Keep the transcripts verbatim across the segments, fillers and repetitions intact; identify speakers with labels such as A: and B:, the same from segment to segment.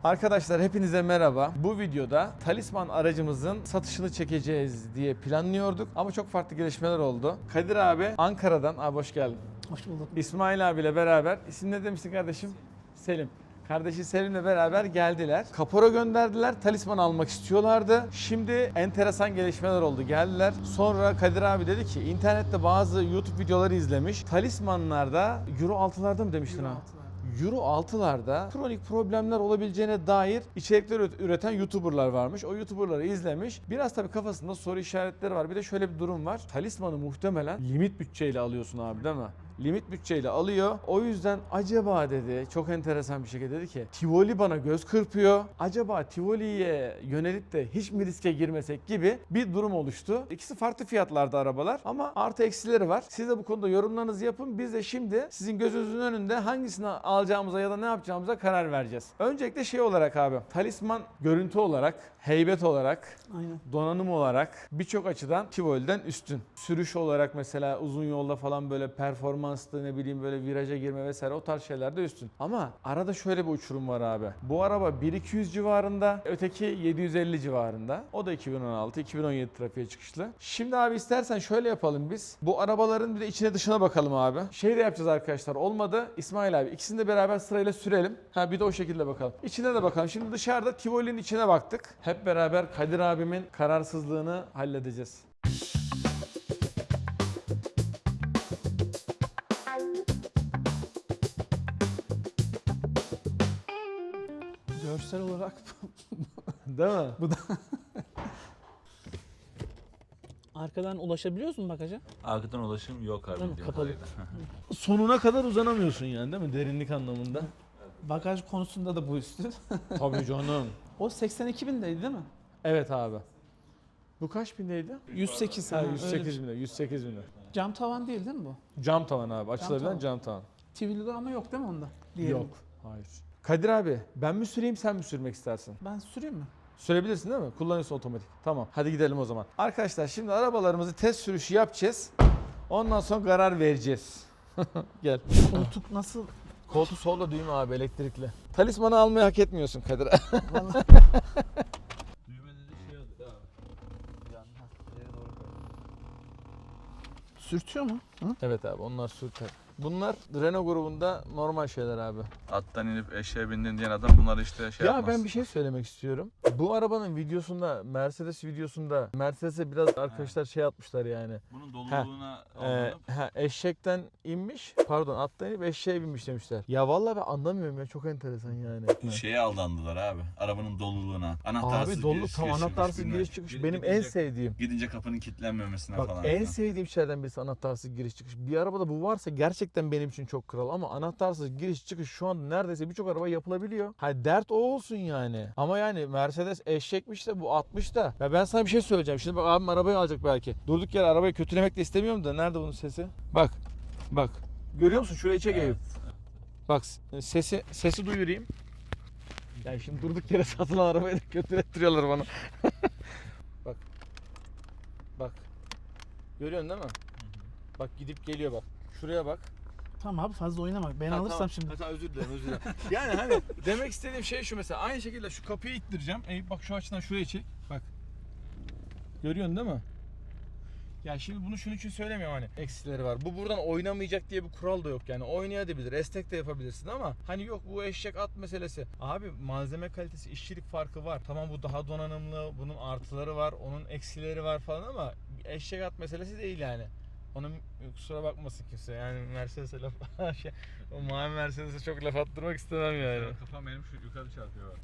A: Arkadaşlar hepinize merhaba. Bu videoda Talisman aracımızın satışını çekeceğiz diye planlıyorduk ama çok farklı gelişmeler oldu. Kadir abi Ankara'dan, abi hoş geldin.
B: Hoş bulduk.
A: İsmail abiyle beraber, isim ne demiştin kardeşim? Selim. Kardeşi Selim'le beraber geldiler. Kapora gönderdiler. Talisman almak istiyorlardı. Şimdi enteresan gelişmeler oldu. Geldiler. Sonra Kadir abi dedi ki internette bazı YouTube videoları izlemiş. Talismanlarda Euro altılarda mı demiştin ha? Euro altılarda kronik problemler olabileceğine dair içerikler üreten YouTuber'lar varmış. O YouTuber'ları izlemiş. Biraz tabii kafasında soru işaretleri var. Bir de şöyle bir durum var. Talisman'ı muhtemelen limit bütçeyle alıyorsun abi, değil mi? Limit bütçeyle alıyor. O yüzden acaba dedi, çok enteresan bir şekilde dedi ki Tivoli bana göz kırpıyor. Acaba Tivoli'ye yönelip de hiç mi riske girmesek gibi bir durum oluştu. İkisi farklı fiyatlarda arabalar ama artı eksileri var. Siz de bu konuda yorumlarınızı yapın. Biz de şimdi sizin gözünüzün önünde hangisini alacağımıza ya da ne yapacağımıza karar vereceğiz. Öncelikle şey olarak abi, Talisman görüntü olarak, heybet olarak,
B: Aynen.
A: donanım olarak birçok açıdan Tivoli'den üstün. Sürüş olarak mesela uzun yolda falan böyle performanslı, ne bileyim böyle viraja girme vesaire o tarz şeylerde üstün. Ama arada şöyle bir uçurum var abi. Bu araba bin iki yüz civarında, öteki yedi yüz elli civarında. O da iki bin on altı iki bin on yedi trafiğe çıkışlı. Şimdi abi istersen şöyle yapalım biz. Bu arabaların bir de içine dışına bakalım abi. Şey de yapacağız arkadaşlar. Olmadı İsmail abi ikisini de beraber sırayla sürelim. Ha bir de o şekilde bakalım. İçine de bakalım. Şimdi dışarıda Tivoli'nin içine baktık. Hep beraber Kadir abimin kararsızlığını halledeceğiz.
B: Görsel olarak
A: Değil mi?
B: bu da arkadan ulaşabiliyor musun bagaja?
C: Arkadan ulaşım yok abi.
B: Değil mi?
C: bildiğim
B: Kapalı.
C: kadarıyla.
A: Sonuna kadar uzanamıyorsun yani, değil mi? Derinlik anlamında.
B: Bagaj konusunda da bu üstün.
A: Tabii canım.
B: O seksen iki bindeydi değil mi?
A: Evet abi. Bu kaç bindeydi?
B: yüz sekiz.
A: Ha,
B: ha,
A: yüz
B: öyle bir
A: sekiz
B: şey.
A: binde. yüz sekiz binde.
B: Cam tavan değil değil mi bu?
A: Cam tavan abi. Açılabilen
B: tavan.
A: cam tavan.
B: Tivoli'de ama yok değil mi onda? Diğerinde.
A: Yok. Hayır. Kadir abi ben mi süreyim sen mi sürmek istersin?
B: Ben süreyim mi?
A: Sürebilirsin değil mi? Kullanıyorsun otomatik. Tamam. Hadi gidelim o zaman. Arkadaşlar şimdi arabalarımızı test sürüşü yapacağız. Ondan sonra karar vereceğiz. Gel.
B: Koltuk nasıl?
A: Koltuğu solda düğme abi, elektrikli. Talismanı almayı hak etmiyorsun Kadir.
B: Vallahi
C: Düğmede de şey oldu abi. Yandan ileri doğru koy.
B: sürtüyor mu? Hı?
A: Evet abi onlar sürter. Bunlar Renault grubunda normal şeyler abi.
C: Attan inip eşeğe bindin diyen adam bunları işte şey
A: Ya
C: yapmaz.
A: ben bir şey söylemek istiyorum. Bu arabanın videosunda, Mercedes videosunda Mercedes'e biraz arkadaşlar şey atmışlar yani.
C: Bunun doluluğuna
A: Ee,
C: aldanıp
A: ha, eşekten inmiş, pardon attan inip eşeğe binmiş demişler. Ya vallahi ben anlamıyorum ya, çok enteresan yani.
C: şeye aldandılar abi. Arabanın doluluğuna. Anahtarsız
A: Abi dolu
C: giriş,
A: tam
C: giriş
A: anahtarsız
C: çıkış,
A: giriş
C: bilmem.
A: çıkış
C: Gidince-
A: benim en sevdiğim.
C: Gidince kapının kilitlenmemesine
A: Bak
C: falan.
A: en
C: filan.
A: sevdiğim şeylerden birisi anahtarsız giriş çıkış. Bir arabada bu varsa gerçekten benim için çok kral ama anahtarsız giriş çıkış şu anda neredeyse birçok araba yapılabiliyor. Ha dert o olsun yani. Ama yani Mercedes eşekmiş de bu altmış da. Ya ben sana bir şey söyleyeceğim. Şimdi bak abim arabayı alacak belki. Durduk yere arabayı kötülemek de istemiyorum da nerede bunun sesi? Bak. Bak. Görüyor musun? Şurayı çek Eyüp. Bak sesi sesi duyurayım. Yani şimdi durduk yere satılan arabayı da kötülettiriyorlar bana. Bak. Bak. Görüyorsun değil mi? Bak gidip geliyor bak. Şuraya bak.
B: Tamam abi fazla oynama. Ben
A: Ha,
B: alırsam
A: tamam.
B: şimdi.
A: Ha, tamam, özür dilerim özür dilerim. Yani hani demek istediğim şey şu, mesela aynı şekilde şu kapıyı ittireceğim. Eyüp bak şu açıdan şuraya çek. Bak. Görüyorsun değil mi? Ya şimdi bunu şunun için söylemiyorum, hani eksileri var. Bu buradan oynamayacak diye bir kural da yok yani. Oynayabilir, esnek de yapabilirsin ama hani yok bu eşek at meselesi. Abi malzeme kalitesi, işçilik farkı var. Tamam bu daha donanımlı, bunun artıları var, onun eksileri var falan ama eşek at meselesi değil yani. Onun kusura bakmasın kimse yani Mercedes'e laf şey, o mavi Mercedes'e çok laf attırmak istemem yani.
C: Kafam benim şu yukarı çarpıyor bak.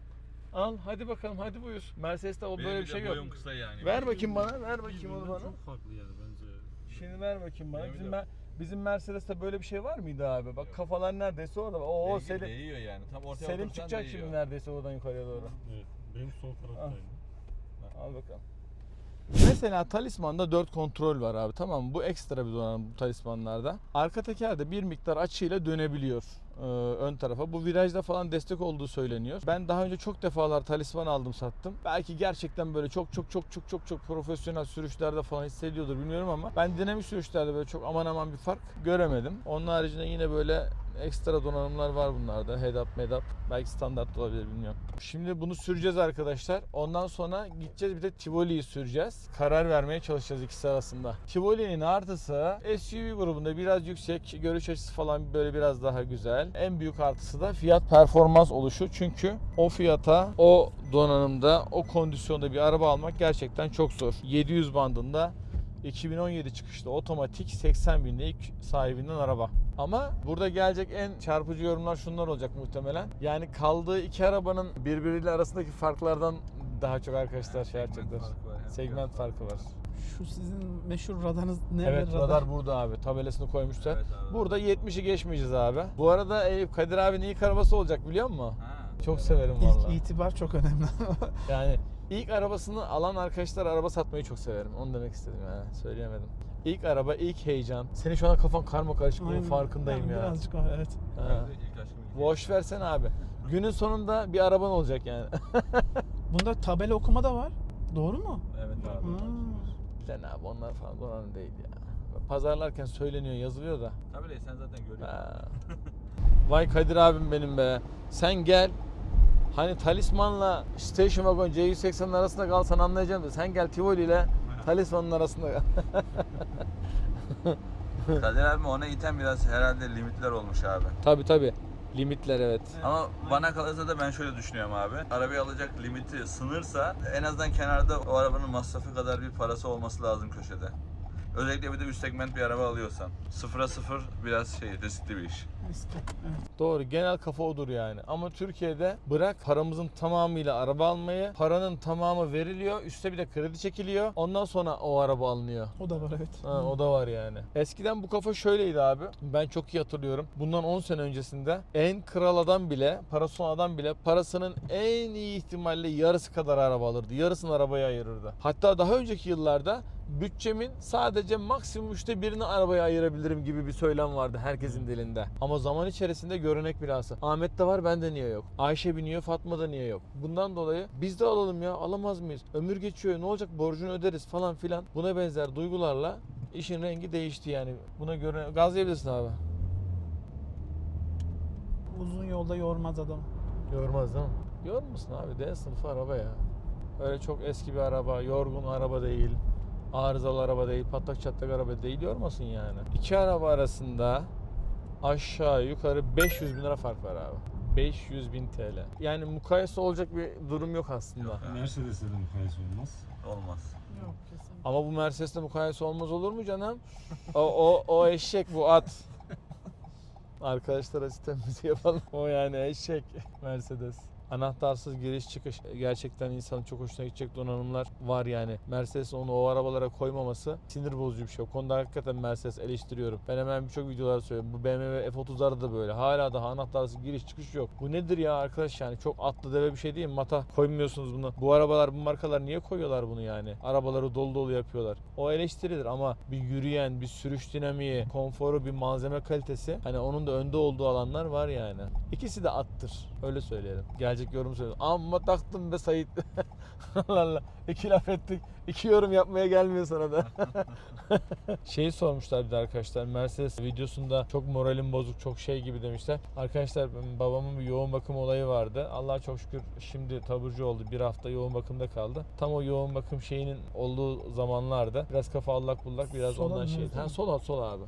A: Al hadi bakalım, hadi buyur. Mercedes'te o
C: Benim
A: böyle
C: bir
A: bir
C: de
A: şey yok.
C: boyum kısa yani.
A: Ver bakayım bana, ver bakayım onu bana.
D: Çok farklı yani bence.
A: Şimdi ver bakayım bana.
C: Benim
A: Bizim,
C: de-
A: Mer- bizim Mercedes'te böyle bir şey var mıydı abi? Bak kafalar neredeyse orada. Oo
C: Değiyor-
A: Selim,
C: değiyor yani. Tam ortaya
A: Selim
C: otursan
A: çıkacak
C: değiyor.
A: şimdi neredeyse oradan yukarıya doğru.
D: Evet. Benim sol taraftayım.
A: Al bakalım. Mesela Talisman'da dört kontrol var abi, tamam mı? Bu ekstra bir donanım bu Talisman'larda. Arka teker de bir miktar açıyla dönebiliyor e, ön tarafa. Bu virajda falan destek olduğu söyleniyor. Ben daha önce çok defalar Talisman aldım sattım. Belki gerçekten böyle çok çok çok çok çok çok profesyonel sürüşlerde falan hissediyordur bilmiyorum ama ben dinamik sürüşlerde böyle çok aman aman bir fark göremedim. Onun haricinde yine böyle ekstra donanımlar var bunlarda. Head-up, med-up. Belki standart olabilir, bilmiyorum. Şimdi bunu süreceğiz arkadaşlar. Ondan sonra gideceğiz bir de Tivoli'yi süreceğiz. Karar vermeye çalışacağız ikisi arasında. Tivoli'nin artısı S U V grubunda biraz yüksek. Görüş açısı falan böyle biraz daha güzel. En büyük artısı da fiyat performans oluşu. Çünkü o fiyata, o donanımda, o kondisyonda bir araba almak gerçekten çok zor. yedi yüz bandında iki bin on yedi çıkışlı otomatik seksen binlik sahibinden araba. Ama burada gelecek en çarpıcı yorumlar şunlar olacak muhtemelen. Yani kaldığı iki arabanın birbiriyle arasındaki farklardan daha çok arkadaşlar şey yapacaklar. Segment farkı var.
B: Şu sizin meşhur radarınız ne?
A: Evet, radar burada abi. Tabelasını koymuşlar.
C: Evet abi.
A: Burada yetmişi geçmeyeceğiz abi. Bu arada Eyüp, Kadir abinin ilk arabası olacak biliyor musun?
C: Ha.
A: Çok severim
B: İlk
A: vallahi.
B: itibar çok önemli.
A: Yani ilk arabasını alan arkadaşlar araba satmayı çok severim. Onu demek istedim yani. Söyleyemedim. İlk araba, ilk heyecan. Senin şu an kafan karma karışık, bunun
B: Aynen.
A: farkındayım
B: Yani
A: ya.
B: Birazcık var, evet.
A: Ha.
C: Ben de ilk aşkım ilk
A: Boş versene abi. Günün sonunda bir araban olacak yani.
B: Bunda tabela okuma da var. Doğru mu?
C: Evet abi.
B: Hmm.
A: Lan abi onlar falan donanım değil ya. Pazarlarken söyleniyor, yazılıyor da.
C: Tabii sen zaten görüyorsun.
A: Ha. Vay Kadir abim benim be. Sen gel. Hani Talisman'la Station Wagon C yüz seksenin arasında kalsan anlayacağım da sen gel Tivoli ile Talisman'ın arasında kal.
C: Kadir abi ona iten biraz herhalde limitler olmuş abi.
A: Tabi tabi. Limitler evet.
C: Ama bana kalırsa da ben şöyle düşünüyorum abi. Arabayı alacak limiti sınırsa en azından kenarda o arabanın masrafı kadar bir parası olması lazım köşede. Özellikle bir de üst segment bir araba alıyorsan. Sıfıra sıfır biraz şey riskli bir iş.
B: Eski. Evet.
A: Doğru, genel kafa odur yani. Ama Türkiye'de bırak paramızın tamamıyla araba almayı, paranın tamamı veriliyor, üstte bir de kredi çekiliyor. Ondan sonra o araba alınıyor.
B: O da var, evet.
A: Ha, o da var yani. Eskiden bu kafa şöyleydi abi. Ben çok iyi hatırlıyorum. Bundan on sene öncesinde en kral adam bile, parası olan adam bile parasının en iyi ihtimalle yarısı kadar araba alırdı. Yarısını arabaya ayırırdı. Hatta daha önceki yıllarda bütçemin sadece maksimum üçte birini arabaya ayırabilirim gibi bir söylem vardı herkesin dilinde. Ama zaman içerisinde görünek bilhassa. Ahmet'te var, bende niye yok? Ayşe biniyor, Fatma'da niye yok? Bundan dolayı biz de alalım ya, alamaz mıyız? Ömür geçiyor, ne olacak, borcunu öderiz falan filan. Buna benzer duygularla işin rengi değişti yani. Buna göre gazlayabilirsin abi.
B: Uzun yolda yormaz adam.
A: Yormaz değil mi? Yormasın abi, D sınıfı araba ya. Öyle çok eski bir araba, yorgun araba değil. Arızalı araba değil, patlak çatlak araba değil, yormasın yani. İki araba arasında aşağı yukarı beş yüz bin lira fark var abi. beş yüz bin T L. Yani mukayese olacak bir durum yok aslında.
C: Yok.
D: Mercedes'e de mukayese olmaz.
C: Olmaz.
B: Yok, kesin.
A: Ama bu Mercedes'le mukayese olmaz olur mu canım? O, o, o eşek, bu at. Arkadaşlara sistemimizi yapalım. O yani eşek Mercedes. Anahtarsız giriş çıkış gerçekten insanın çok hoşuna gidecek donanımlar var yani. Mercedes onu o arabalara koymaması sinir bozucu bir şey. O konuda hakikaten Mercedes eleştiriyorum. Ben hemen birçok videolarda söylüyorum. Bu B M W F otuzlarda da böyle. Hala daha anahtarsız giriş çıkış yok. Bu nedir ya arkadaş yani? Çok atlı deve bir şey değil mi? Mata koymuyorsunuz bunu. Bu arabalar, bu markalar niye koyuyorlar bunu yani? Arabaları dolu dolu yapıyorlar. O eleştirilir ama bir yürüyen, bir sürüş dinamiği, konforu, bir malzeme kalitesi, hani onun da önde olduğu alanlar var yani. İkisi de attır. Öyle söyleyelim. Gelecek yorum söylüyorum. Amma taktım be Sait. Allah Allah. İki laf ettik. İki yorum yapmaya gelmiyor sana da. Şeyi sormuşlar bir de arkadaşlar. Mercedes videosunda çok moralim bozuk, çok şey gibi demişler. Arkadaşlar babamın bir yoğun bakım olayı vardı. Allah'a çok şükür şimdi taburcu oldu. Bir hafta yoğun bakımda kaldı. Tam o yoğun bakım şeyinin olduğu zamanlarda biraz kafa allak bullak, biraz
B: Sola
A: ondan
B: mı,
A: şey.
B: sola
A: Ha,
B: mı?
A: sol sol abi.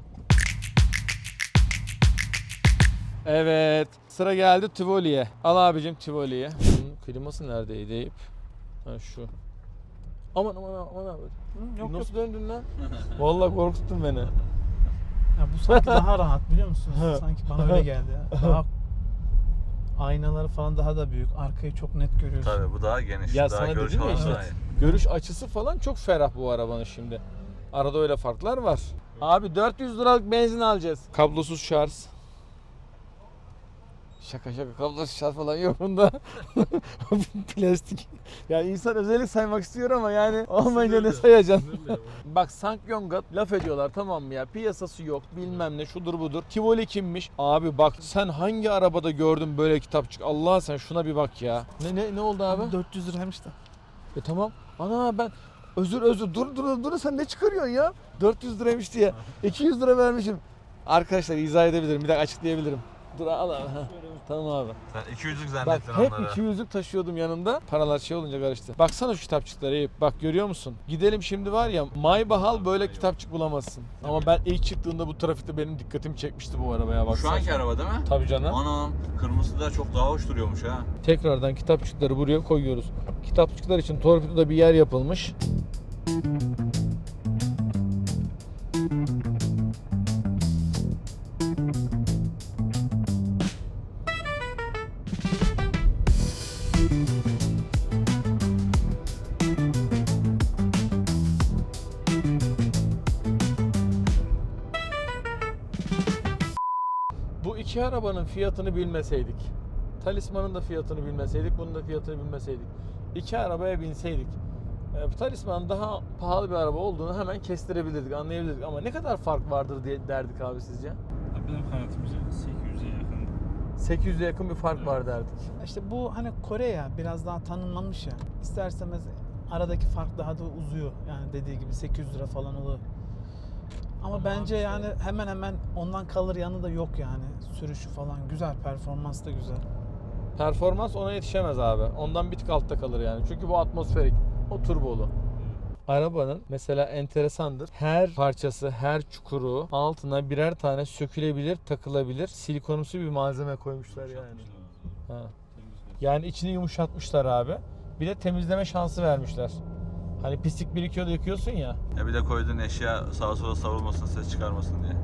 A: Evet. Sıra geldi Tivoli'ye. Al abicim Tivoli'ye. Bunun kliması neredeydi Eyüp? Ha şu. Aman aman aman abi.
B: Hı, yok yok.
A: Nasıl döndün lan? Vallahi korkuttun beni.
B: Ya bu sanki daha rahat, biliyor musunuz?
A: Ha.
B: Sanki bana öyle geldi ya. Daha aynaları falan daha da büyük. Arkayı çok net görüyorsun.
C: Tabii bu daha geniş.
A: Ya
C: daha
A: sana
C: görüş
A: dedim ya
C: alanı
A: işte.
C: daha iyi.
A: Görüş açısı falan çok ferah bu arabanın şimdi. Arada öyle farklar var. Abi dört yüz liralık benzin alacağız. Kablosuz şarj. Şaka şaka, kablosuz şarj falan yok bunda. Plastik. Yani insan özellik saymak istiyor ama yani olmayınca ne sayacaksın? Bak Sankyong'a laf ediyorlar, tamam mı ya? Piyasası yok, bilmem ne, şudur budur. Tivoli kimmiş? Abi bak sen hangi arabada gördün böyle kitapçık? Allah sen şuna bir bak ya. Ne ne ne oldu abi?
B: dört yüz liraymış da.
A: E tamam. Ana ben özür özür dur dur dur sen ne çıkarıyorsun ya? dört yüz liraymış diye. iki yüz lira vermişim. Arkadaşlar izah edebilirim. Bir dakika açıklayabilirim. Dur al abi. Ha. Tamam abi.
C: Sen iki yüzlük
A: Bak
C: zannettin
A: hep
C: onları.
A: iki yüzlük taşıyordum yanımda. Paralar şey olunca karıştı. Baksana şu kitapçıklara Eyüp. Bak görüyor musun? Gidelim şimdi var ya Maybahal böyle kitapçık bulamazsın. Ama ben ilk çıktığında bu trafikte benim dikkatimi çekmişti bu arabaya bak.
C: Şu anki araba değil mi?
A: Tabii canım.
C: Anam kırmızı da çok daha hoş duruyormuş ha.
A: Tekrardan kitapçıkları buraya koyuyoruz. Kitapçıklar için torpidoda bir yer yapılmış. Bu iki arabanın fiyatını bilmeseydik, Talisman'ın da fiyatını bilmeseydik, bunun da fiyatını bilmeseydik, iki arabaya binseydik, e, Talisman daha pahalı bir araba olduğunu hemen kestirebilirdik, anlayabilirdik. Ama ne kadar fark vardır diye derdik abi sizce?
D: Benim hayatımızda sekiz yüze yakın.
A: sekiz yüze yakın bir fark
D: Evet.
A: var derdik.
B: İşte bu hani Kore ya biraz daha tanınmamış ya. İsterseniz aradaki fark daha da uzuyor. Yani dediği gibi sekiz yüz lira falan oluyor. Ama,
D: Ama
B: bence
D: işte-
B: yani hemen hemen ondan kalır yanı da yok yani. Sürüşü falan güzel, performans da güzel.
A: Performans ona yetişemez abi. Ondan bir tık altta kalır yani. Çünkü bu atmosferik, o turbolu. Arabanın mesela enteresandır. Her parçası, her çukuru altına birer tane sökülebilir, takılabilir, silikonumsu bir malzeme koymuşlar yani. Ha. Yani içini yumuşatmışlar abi. Bir de temizleme şansı vermişler. Hani pislik birikiyor da yıkıyorsun ya.
C: Ya bir de koyduğun eşya sağa sola savrulmasın, ses çıkarmasın diye.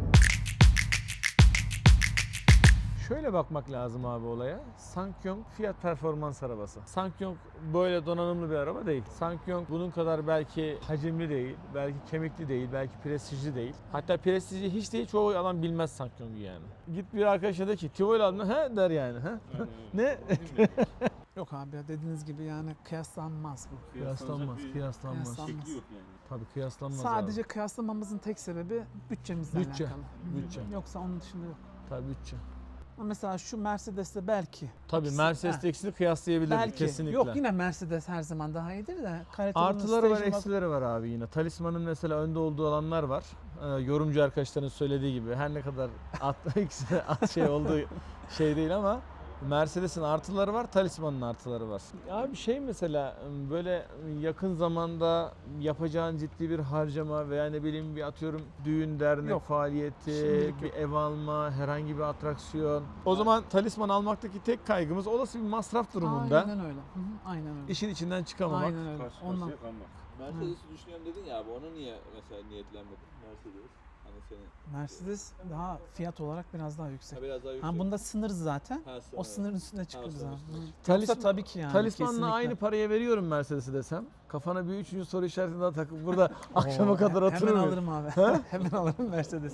A: Şöyle bakmak lazım abi olaya. Sankyong fiyat performans arabası. Sankyong böyle donanımlı bir araba değil. Sankyong bunun kadar belki hacimli değil, belki kemikli değil, belki prestijli değil. Hatta prestijli hiç değil, çoğu adam bilmez Sankyong'u yani. Git bir arkadaşa de ki Tivoli aldın mı? He der yani. He? Ne?
B: Yok abi ya dediğiniz gibi yani kıyaslanmaz bu.
A: Kıyaslanmaz, kıyaslanmaz.
B: Kıyaslanmaz.
D: Şekli yok yani.
A: Tabii kıyaslanmaz
B: Sadece
A: abi.
B: kıyaslamamızın tek sebebi bütçemizle
A: Bütçe,
B: alakalı.
A: bütçe.
B: Yoksa onun dışında yok.
A: Tabii bütçe.
B: Ama mesela şu Mercedes'te belki.
A: Tabii
B: İkisi-
A: Mercedes'le
B: Ha,
A: ikisini kıyaslayabilirdik
B: belki.
A: kesinlikle.
B: Yok yine Mercedes her zaman daha iyidir de. kaliteli
A: Artıları var,
B: station bak-
A: eksileri var abi yine. Talisman'ın mesela önde olduğu alanlar var. Ee, yorumcu arkadaşların söylediği gibi her ne kadar at, ikisi de at şey olduğu şey değil ama Mercedes'in artıları var, Talisman'ın artıları var. Abi şey mesela böyle yakın zamanda yapacağın ciddi bir harcama veya ne bileyim bir atıyorum düğün dernek
B: Yok.
A: faaliyeti,
B: Şimdilik
A: bir
B: yok.
A: ev alma, herhangi bir atraksiyon. O zaman Talisman almaktaki tek kaygımız olası bir masraf durumunda.
B: Aynen öyle. Hı hı, aynen öyle.
A: İşin içinden çıkamamak.
B: Aynen öyle.
D: Karşı
B: Ondan.
D: karşıya kalmak.
C: Mercedes'i düşünüyorum dedin ya abi, ona niye mesela niyetlenmedin? Mercedes. Hani senin
B: Mercedes daha fiyat olarak biraz daha yüksek.
C: ha, biraz daha yüksek.
B: Ha bunda sınır zaten.
C: Ha,
B: O
C: sınır.
B: sınırın üstüne çıkıyoruz
C: sınır
B: abi.
C: üstüne
B: Hı.
A: Talisman-
B: Yoksa tabii ki yani.
A: Talisman'la
B: kesinlikle.
A: aynı paraya veriyorum Mercedes'i desem. Kafana bir üçüncü soru işaretini daha takıp burada akşama
B: Oo,
A: kadar
B: he-
A: oturur
B: Hemen
A: muyum?
B: alırım abi. Hemen alırım Mercedes.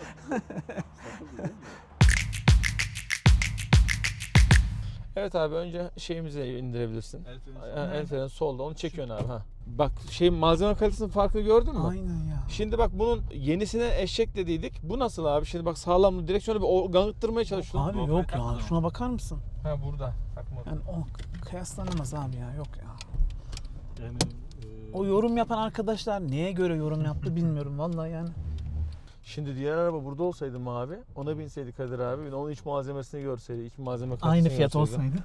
A: Evet abi önce şeyimizi indirebilirsin.
C: El freni
A: Ha, El freni solda, onu çekiyorsun abi. Ha. Bak şey malzeme kalitesinin farkı gördün mü?
B: Aynen ya.
A: Şimdi bak bunun yenisine eşek dediydik. Bu nasıl abi? Şimdi bak sağlamlı direksiyonu bir o- gangıttırmaya çalışıyorsun.
B: Abi
C: GoPro'yu
B: yok ya.
C: takmadın
B: Şuna bakar mısın?
A: Ha burada. Takmadım.
B: Yani o kıyaslanamaz abi ya. Yok ya.
D: Yani e,
B: O yorum yapan arkadaşlar neye göre yorum yaptı bilmiyorum vallahi yani.
A: Şimdi diğer araba burada olsaydı mı abi? Ona binseydik Kadir abi. Onun iç malzemesini görseydi. iç malzeme kalitesini
B: Aynı fiyat
A: görseydi.
B: olsaydı.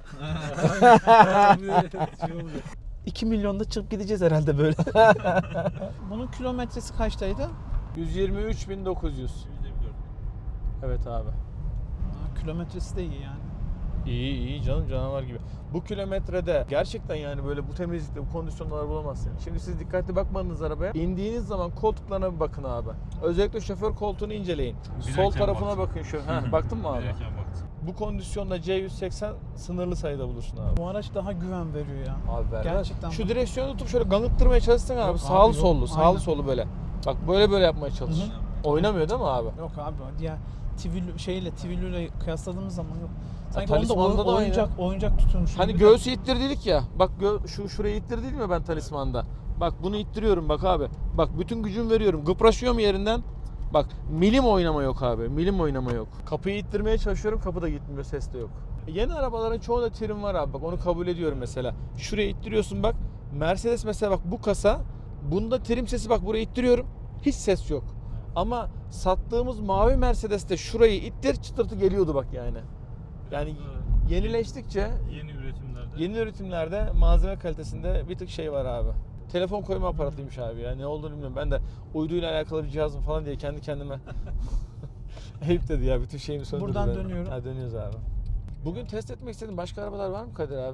D: şey olacak.
B: iki milyonda çıkıp gideceğiz herhalde böyle. Bunun kilometresi kaçtaydı?
A: yüz yirmi üç bin dokuz yüz. Evet abi.
B: Ha, kilometresi de iyi yani.
A: İyi iyi canım, canavar gibi. Bu kilometrede gerçekten yani böyle bu temizlikte, bu kondisyonlar bulamazsın. Şimdi siz dikkatli bakmadınız arabaya. İndiğiniz zaman koltuklarına bir bakın abi. Özellikle şoför koltuğunu inceleyin. Sol
D: Binerken
A: tarafına
D: baktım.
A: bakın şu. Ha, baktın mı abi?
D: Binerken baktım.
A: Bu kondisyonda C yüz seksen sınırlı sayıda bulursun abi.
B: Bu araç daha güven veriyor ya.
A: Abi ver.
B: Gerçekten
A: Şu
B: bak.
A: direksiyonu tutup şöyle gangıttırmaya çalışsın abi.
B: Yok abi,
A: sağlı
B: yok.
A: sollu, sağlı
B: Aynen.
A: sollu böyle. Bak böyle böyle yapmaya çalış.
B: Hı hı.
A: Oynamıyor değil mi abi?
B: Yok abi ya Twilu şeyle Twilu'yla kıyasladığımız zaman yok. Sanki
A: Ya,
B: onda
A: Talisman'da da
B: oyuncak oyuncak tutuyormuş.
A: Hani
B: gibi de-
A: göğsü ittirdik ya. Bak gö- şu şurayı ittirdim ya ben Talisman'da. Bak bunu ittiriyorum bak abi. Bak bütün gücümü veriyorum. Gıpraşıyor mu yerinden? Bak milim oynama yok abi. Milim oynama yok. Kapıyı ittirmeye çalışıyorum. Kapı da gitmiyor. Ses de yok. Yeni arabaların çoğunda trim var abi. Bak onu kabul ediyorum mesela. Şuraya ittiriyorsun bak. Mercedes mesela bak bu kasa. Bunda trim sesi bak buraya ittiriyorum. Hiç ses yok. Ama sattığımız mavi Mercedes'te şurayı ittir çıtırtı geliyordu bak yani. Yani
D: Evet.
A: yenileştikçe
D: Yeni üretimlerde.
A: yeni üretimlerde malzeme kalitesinde bir tık şey var abi. Telefon koyma aparatıymış abi ya. Ne olduğunu bilmiyorum. Ben de uyduyla alakalı bir cihazım falan diye kendi kendime Eyüp dedi ya bütün şeyimi söndürdü.
B: Buradan
A: benim.
B: dönüyorum.
A: Ha, dönüyoruz abi. Bugün test etmek istediğin başka arabalar var mı Kadir abi?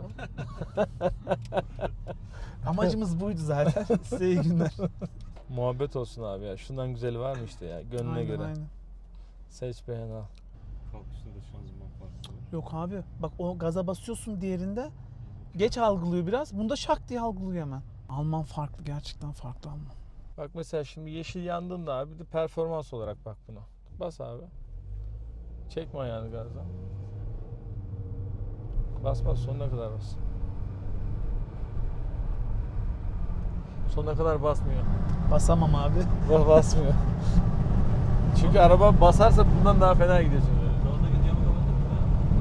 B: Amacımız buydu zaten. Size iyi günler.
A: Muhabbet olsun abi ya. Şundan güzeli var mı işte ya gönlüne
B: Aynen,
A: göre.
B: aynen.
A: Seç beğen al.
D: Kalkışta da şanzıman farkı var.
B: Yok abi bak o gaza basıyorsun diğerinde geç algılıyor biraz. Bunda şak diye algılıyor hemen. Alman farklı, gerçekten farklı Alman.
A: Bak mesela şimdi yeşil yandığında abi bir de performans olarak bak buna. Bas abi. Çekme ayağını gazdan. Bas bas sonuna kadar bas. Sonuna kadar basmıyor.
B: Basamam abi.
A: Bas basmıyor. Çünkü araba basarsa bundan daha fena gidiyorsun.
D: Yoldaki camı kapatır mı?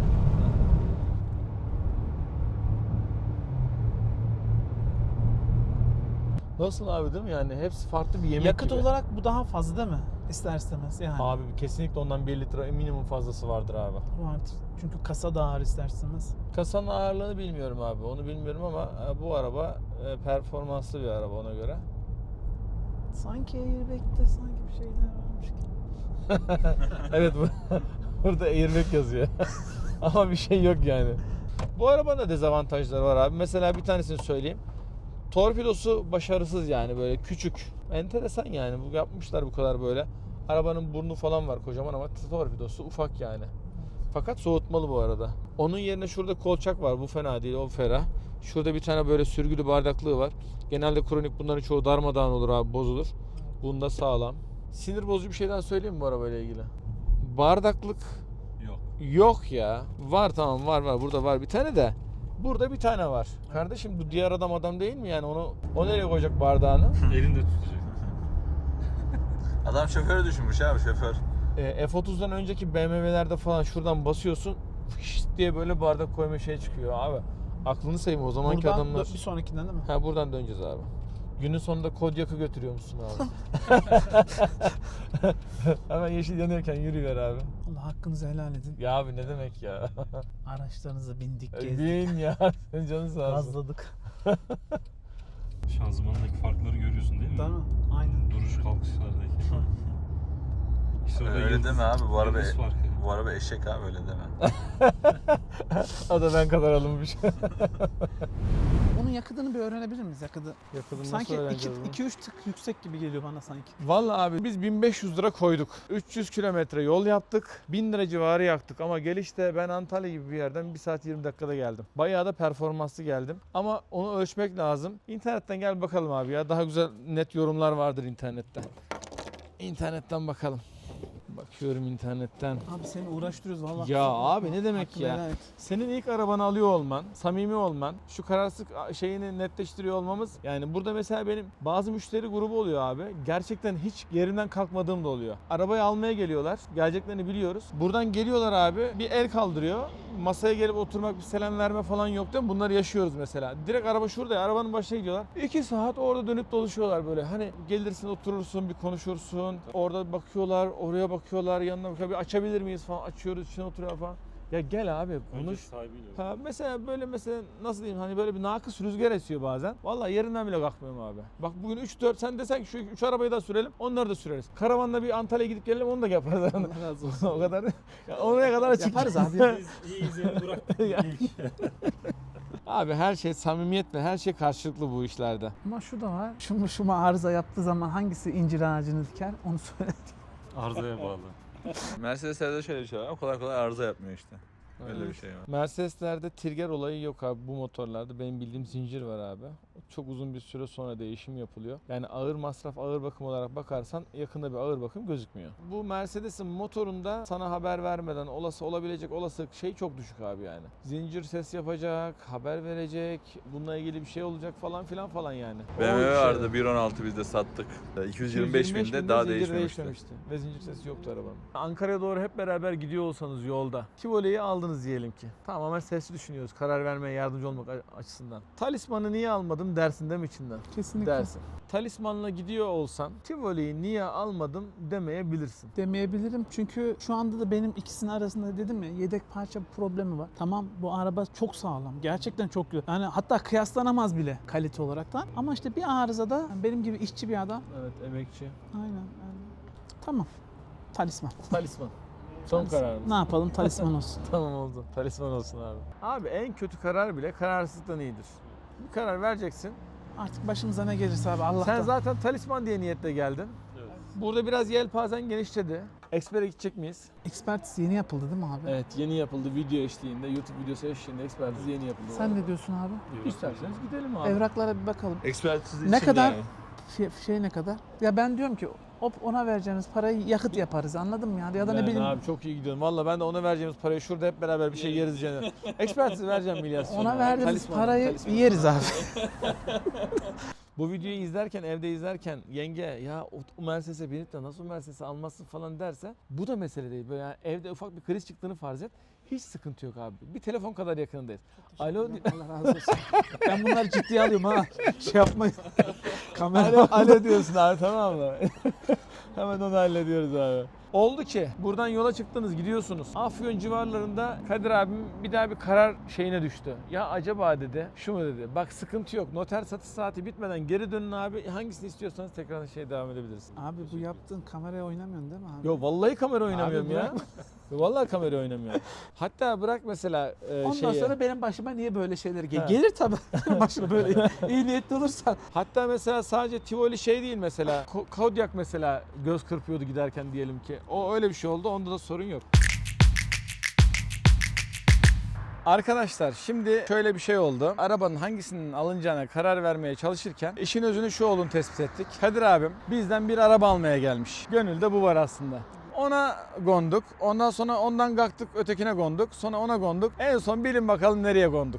A: Nasıl abi değil mi yani hepsi farklı bir yemek
B: Yakıt
A: gibi.
B: olarak bu daha fazla değil mi? İster istemez yani.
A: Abi kesinlikle ondan bir litre minimum fazlası vardır abi.
B: Vardır. Çünkü kasa da ağır ister istemez.
A: Kasanın ağırlığını bilmiyorum abi. Onu bilmiyorum ama e, bu araba e, performanslı bir araba ona göre.
B: Sanki airbag'de sanki bir şeyler varmış gibi.
A: Evet bu burada airbag yazıyor. Ama bir şey yok yani. Bu arabanın da dezavantajları var abi. Mesela bir tanesini söyleyeyim. Torpidosu başarısız yani böyle küçük. Enteresan yani bu yapmışlar bu kadar böyle. Arabanın burnu falan var kocaman ama torpidosu ufak yani. Fakat soğutmalı bu arada. Onun yerine şurada kolçak var. Bu fena değil, o ferah. Şurada bir tane böyle sürgülü bardaklığı var. Genelde kronik bunların çoğu darmadağın olur abi, bozulur. Bunda sağlam. Sinir bozucu bir şey daha söyleyeyim mi bu arabayla ilgili? Bardaklık
D: Yok.
A: yok ya. Var tamam var var. Burada var bir tane de. Burada bir tane var. Kardeşim bu diğer adam adam değil mi yani onu o nereye koyacak bardağını?
D: Elinde tutacak.
C: Adam şoförü düşünmüş abi şoför.
A: E, F otuzdan önceki B M W'lerde falan şuradan basıyorsun fışt diye böyle bardak koyma şey çıkıyor abi. Aklını sayayım o zamanki
B: Buradan
A: adamlar.
B: dö- bir sonrakinden değil mi?
A: Ha buradan döneceğiz abi. Günün sonunda Kodyak'ı götürüyormuşsun abi. Hemen yeşil yanıyorken yürüyor abi.
B: Allah hakkınızı helal edin.
A: Ya abi ne demek ya?
B: Araçlarınıza bindik, gezdik,
A: Bin ya. Senin canın sağ olsun.
B: gazladık.
D: Şanzımandaki farkları görüyorsun değil mi?
B: Değil mi? Aynen.
D: Duruş kalkışlardaki. İşte orada
C: Öyle
D: yıldız-
C: deme abi bu araba
D: yıldız farkı.
C: bu araba eşek abi öyle deme.
A: O da ben kadar alınmış.
B: Onun yakıtını bir öğrenebilir miyiz yakıtı?
A: Yakıtını
B: Sanki
A: nasıl öğreneceğiz bunu?
B: iki üç tık yüksek gibi geliyor bana sanki.
A: Vallahi abi biz bin beş yüz lira koyduk. üç yüz kilometre yol yaptık. bin lira civarı yaktık ama gelişte ben Antalya gibi bir yerden bir saat yirmi dakikada geldim. Bayağı da performanslı geldim. Ama onu ölçmek lazım. İnternetten gel bakalım abi ya. Daha güzel net yorumlar vardır internette. İnternetten bakalım. Bakıyorum internetten.
B: Abi seni uğraştırıyoruz vallahi.
A: Ya abi ne demek
B: Hakkını
A: ya?
B: helal et.
A: Senin ilk arabanı alıyor olman, samimi olman, şu kararsızlık şeyini netleştiriyor olmamız. Yani burada mesela benim bazı müşteri grubu oluyor abi. Gerçekten hiç yerimden kalkmadığım da oluyor. Arabayı almaya geliyorlar. Geleceklerini biliyoruz. Buradan geliyorlar abi. Bir el kaldırıyor. Masaya gelip oturmak, bir selam verme falan yok değil mi? Bunları yaşıyoruz mesela. Direkt araba şurada ya. Arabanın başına gidiyorlar. İki saat orada dönüp dolaşıyorlar böyle. Hani gelirsin oturursun, bir konuşursun. Orada bakıyorlar, oraya bakıyorlar, yanına bakıyorlar. Bir açabilir miyiz falan. Açıyoruz, içine oturuyor falan. Ya gel abi
D: Önce
A: konuş.
D: sahibiyle.
A: Ha mesela böyle mesela nasıl diyeyim hani böyle bir nakıs rüzgar esiyor bazen. Vallahi yerinden bile kalkmıyorum abi. Bak bugün üç dört sen desen ki şu üç arabayı da sürelim onları da süreriz. Karavanla bir Antalya'ya gidip gelelim onu da yaparız.
B: Allah razı olsun.
A: O kadar. Ya oraya kadar açık.
B: Yaparız abi.
D: Biz iyi izleyeni bıraktık.
A: Ya.
D: İlk.
A: Abi her şey samimiyetle her şey karşılıklı bu işlerde.
B: Ama şu da var. Şu şu arıza yaptığı zaman hangisi incir ağacını diker onu söyle.
D: Arızaya bağlı.
C: Mercedes'lerde şöyle bir şey var. O kolay kolay arıza yapmıyor işte. Öyle bir şey var.
A: Mercedes'lerde trigger olayı yok abi bu motorlarda. Benim bildiğim zincir var abi. Çok uzun bir süre sonra değişim yapılıyor. Yani ağır masraf, ağır bakım olarak bakarsan yakında bir ağır bakım gözükmüyor. Bu Mercedes'in motorunda sana haber vermeden olası olabilecek olası şey çok düşük abi yani. Zincir ses yapacak, haber verecek, bununla ilgili bir şey olacak falan filan falan yani.
C: B M W
A: O şey-
C: vardı bir on altı biz de sattık. iki yüz yirmi beş binde daha
A: zincir
C: değişmemişti.
A: Ve zincir sesi yoktu arabanın. Ankara'ya doğru hep beraber gidiyor olsanız yolda. Tivole'yi aldınız diyelim ki. Tamamen sesli düşünüyoruz karar vermeye yardımcı olmak açısından. Talisman'ı niye almadım dersin değil mi içinden?
B: Kesinlikle.
A: Dersin. Talismanla gidiyor olsan Tivoli'yi niye almadım demeyebilirsin.
B: Demeyebilirim çünkü şu anda da benim ikisinin arasında dedim ya yedek parça problemi var. Tamam bu araba çok sağlam. Gerçekten çok güzel. Yani hatta kıyaslanamaz bile kalite olaraktan. Ama işte bir arızada benim gibi işçi bir adam.
A: Evet, emekçi.
B: Aynen. Yani. Tamam. Talisman.
A: Talisman. Son
B: Talisman.
A: kararımız.
B: Ne yapalım talisman olsun.
A: Tamam oldu. Talisman olsun abi. Abi en kötü karar bile kararsızlıktan iyidir. Bir karar vereceksin.
B: Artık başımıza ne gelirse abi Allah'tan.
A: Sen zaten talisman diye niyetle geldin.
D: Evet.
A: Burada biraz yelpazen genişledi. Expert'e gidecek miyiz?
B: Expertiz yeni yapıldı değil mi abi?
A: Evet, yeni yapıldı video eşliğinde, YouTube videosu eşliğinde Expertiz yeni yapıldı.
B: Sen ne diyorsun abi?
D: Yok.
A: İsterseniz gidelim abi.
B: Evraklara bir bakalım.
C: Ekspertiz
B: Ne kadar? Şey, şey ne kadar? Ya ben diyorum ki hop ona vereceğimiz parayı yakıt yaparız anladın mı ya? Ya da ne
A: Yani
B: bileyim
A: abi çok iyi gidiyorum. Valla ben de ona vereceğimiz parayı şurada hep beraber bir şey yeriz canım. Expertiz vereceğim milyar.
B: ona verdiğimiz
A: Talisman,
B: parayı
A: talisman.
B: yeriz abi.
A: Bu videoyu izlerken, evde izlerken yenge ya o, o Mercedes'e binip de nasıl Mercedes'i almazsın falan derse bu da mesele değil. Böyle yani evde ufak bir kriz çıktığını farz et. Hiç sıkıntı yok abi. Bir telefon kadar yakınındayız. Alo.
B: Allah razı olsun. Ben bunları ciddiye alıyorum ha. Şey yapmayın. Kamera
A: Alo, alo diyorsun abi, tamam mı? Hemen onu hallediyoruz abi. Oldu ki buradan yola çıktınız, gidiyorsunuz. Afyon civarlarında Kadir abim bir daha bir karar şeyine düştü. Ya acaba dedi, şu mu dedi. Bak sıkıntı yok. Noter satış saati bitmeden geri dönün abi. Hangisini istiyorsanız tekrar şey devam edebiliriz.
B: Abi bu yaptığın kameraya oynamıyorsun değil mi abi?
A: Yo vallahi kamera oynamıyorum
B: Abi
A: ya. Yo, vallahi kamera oynamıyorum. Hatta bırak mesela e,
B: Ondan
A: şeyi.
B: sonra benim başıma niye böyle şeyler
A: Ha.
B: gelir? Gelir tabii. Başıma böyle iyi niyetli olursan.
A: Hatta mesela sadece Tivoli şey değil mesela. Ko- Kodiak mesela göz kırpıyordu giderken diyelim ki. O öyle bir şey oldu. Onda da sorun yok. Arkadaşlar şimdi şöyle bir şey oldu. Arabanın hangisinin alınacağına karar vermeye çalışırken işin özünü şu olduğunu tespit ettik. Kadir abim bizden bir araba almaya gelmiş. Gönülde bu var aslında. Ona gonduk. Ondan sonra ondan kalktık ötekine gonduk. Sonra ona gonduk. En son bilin bakalım nereye gonduk.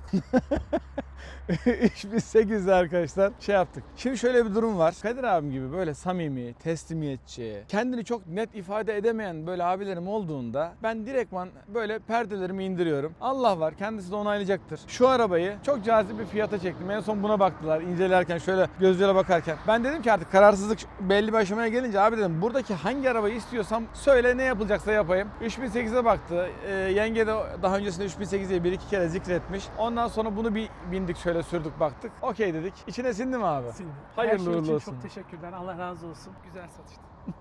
A: İş biz sekizde arkadaşlar şey yaptık. Şimdi şöyle bir durum var. Kadir abim gibi böyle samimi, teslimiyetçi, kendini çok net ifade edemeyen böyle abilerim olduğunda ben direktman böyle perdelerimi indiriyorum. Allah var, kendisi de onaylayacaktır. Şu arabayı çok cazip bir fiyata çektim. En son buna baktılar incelerken şöyle gözlere bakarken. Ben dedim ki artık kararsızlık belli bir aşamaya gelince abi dedim buradaki hangi arabayı istiyorsam söyle ne yapılacaksa yapayım. üç bin sekize baktı. Ee, yenge de daha öncesinde üç bin sekizi bir iki kere zikretmiş. Ondan sonra bunu bir bindik şöyle sürdük baktık. Okey dedik. İçine sindi mi abi? Hayırlı
B: Her şey
A: uğurlu
B: için
A: olsun.
B: çok teşekkürler. Allah razı olsun. Güzel satıştı.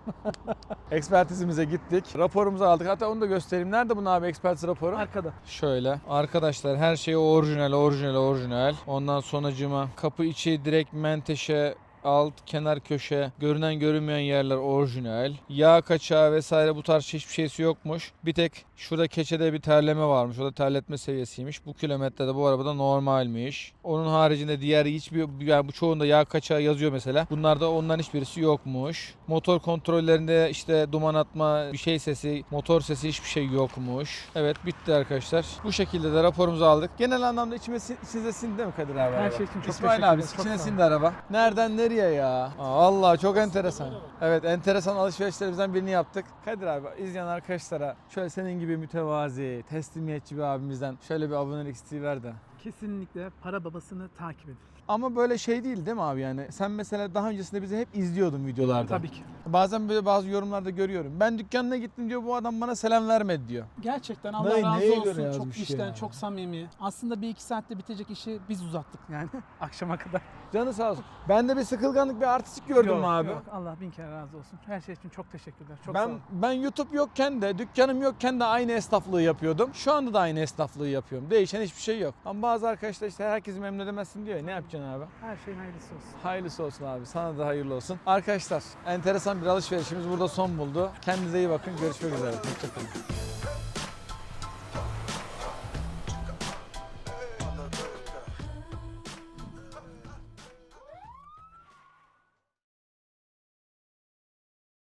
A: Ekspertizimize gittik. Raporumuzu aldık. Hatta onu da göstereyim. Nerede bunun abi ekspertiz raporu?
B: Arkada.
A: Şöyle. Arkadaşlar her şey orijinal, orijinal, orijinal. Ondan sonracıma kapı içi direkt menteşe, alt, kenar köşe, görünen görünmeyen yerler orijinal. Yağ kaçağı vesaire bu tarz hiçbir şeysi yokmuş. Bir tek şurada keçede bir terleme varmış. O da terletme seviyesiymiş. Bu kilometrede bu arabada normalmiş. Onun haricinde diğer hiçbir, yani bu çoğunda yağ kaçağı yazıyor mesela. Bunlarda ondan hiçbirisi yokmuş. Motor kontrollerinde işte duman atma, bir şey sesi, motor sesi hiçbir şey yokmuş. Evet bitti arkadaşlar. Bu şekilde de raporumuzu aldık. Genel anlamda içime, içinize sindi değil mi Kadir abi?
B: Her
A: araba?
B: şey için çok
A: İsmail
B: teşekkür
A: abi
B: ederim. Çok
A: içine
B: sağ ol.
A: sindi araba. Nereden nereye ya? Aa, vallahi çok enteresan. Evet enteresan alışverişlerimizden birini yaptık. Kadir abi izleyen arkadaşlara şöyle senin gibi mütevazi, teslimiyetçi bir abimizden şöyle bir abonelik isteği ver de.
B: Kesinlikle para babasını takip edin.
A: Ama böyle şey değil değil mi abi yani? Sen mesela daha öncesinde bizi hep izliyordun videolarda.
B: Tabii ki.
A: Bazen böyle bazı yorumlarda görüyorum. Ben dükkanına gittim diyor bu adam bana selam vermedi diyor.
B: Gerçekten Allah
A: Ne-
B: razı
A: neye
B: olsun.
A: göre
B: Çok
A: yazmış
B: işten,
A: ya?
B: çok samimi. Aslında bir iki saatte bitecek işi biz uzattık yani akşama kadar.
A: Canı sağ olsun. Ben de bir sıkılganlık, bir artistik gördüm
B: Yok,
A: mü abi?
B: Yok, Allah bin kere razı olsun. Her şey için çok teşekkürler. Çok sağ
A: Ben
B: olun.
A: ben YouTube yokken de, dükkanım yokken de aynı esnaflığı yapıyordum. Şu anda da aynı esnaflığı yapıyorum. Değişen hiçbir şey yok. Ama bazı arkadaşlar işte herkesi memnun edemezsin diyor ya. Ne yapacaksın abi?
B: Her şeyin hayırlısı olsun.
A: Hayırlısı olsun abi. Sana da hayırlı olsun. Arkadaşlar enteresan bir alışverişimiz burada son buldu. Kendinize iyi bakın. Görüşmek üzere. Hoşçakalın.